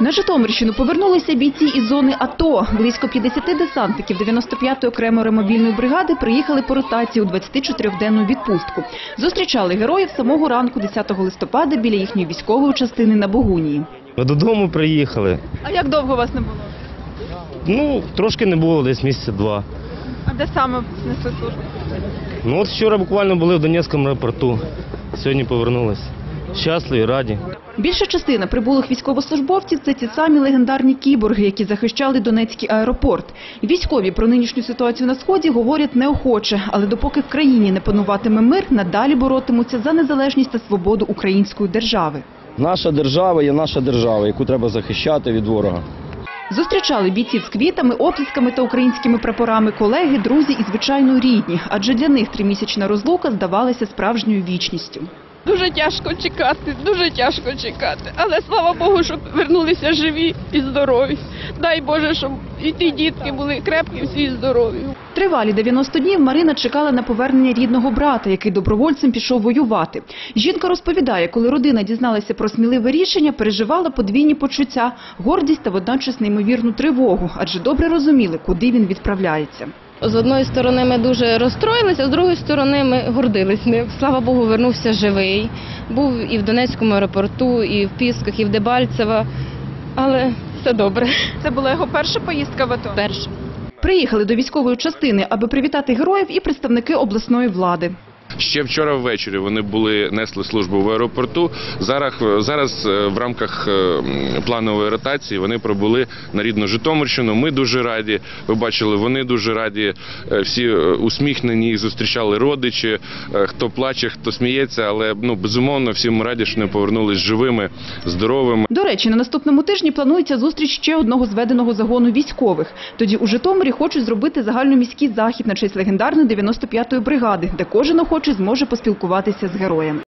На Житомирщину повернулися бійці із зони АТО. Близько 50 десантників 95-ї окремої мобільної бригади приїхали по ротації у 24-денну відпустку. Зустрічали героїв самого ранку 10 листопада біля їхньої військової частини на Богунії. Ми додому приїхали. А як довго вас не було? Трошки не було, десь місяця 2. А де саме несли службу? От вчора буквально були в Донецькому аеропорту. Сьогодні повернулись. Щасливі, раді. Більша частина прибулих військовослужбовців – це ті самі легендарні кіборги, які захищали Донецький аеропорт. Військові про нинішню ситуацію на Сході говорять неохоче, але допоки в країні не пануватиме мир, надалі боротимуться за незалежність та свободу української держави. Наша держава є наша держава, яку треба захищати від ворога. Зустрічали бійців з квітами, оплесками та українськими прапорами колеги, друзі і, звичайно, рідні. Адже для них тримісячна розлука здавалася справжньою вічністю. Дуже тяжко чекати. Але слава Богу, щоб вернулися живі і здорові. Дай Боже, щоб і ті дітки були крепкі, всі і здорові. Тривалі 90 днів Марина чекала на повернення рідного брата, який добровольцем пішов воювати. Жінка розповідає, коли родина дізналася про сміливе рішення, переживала подвійні почуття – гордість та водночас неймовірну тривогу, адже добре розуміли, куди він відправляється. З одної сторони ми дуже розстроїлися, з другої сторони ми гордились ним. Слава Богу, вернувся живий. Був і в Донецькому аеропорту, і в Пісках, і в Дебальцево. Але все добре. Це була його перша поїздка в АТО? Перше. Приїхали до військової частини, аби привітати героїв і представники обласної влади. Ще вчора ввечері вони несли службу в аеропорту. Зараз в рамках планової ротації вони прибули на рідну Житомирщину. Ми дуже раді, ви бачили, вони дуже раді, всі усміхнені, їх зустрічали родичі, хто плаче, хто сміється, але безумовно всі ми раді, що вони повернулись живими, здоровими. До речі, на наступному тижні планується зустріч ще одного зведеного загону військових. Тоді у Житомирі хочуть зробити загальноміський захід на честь легендарної 95-ї бригади, де кожен охочий зможе поспілкуватися з героєм.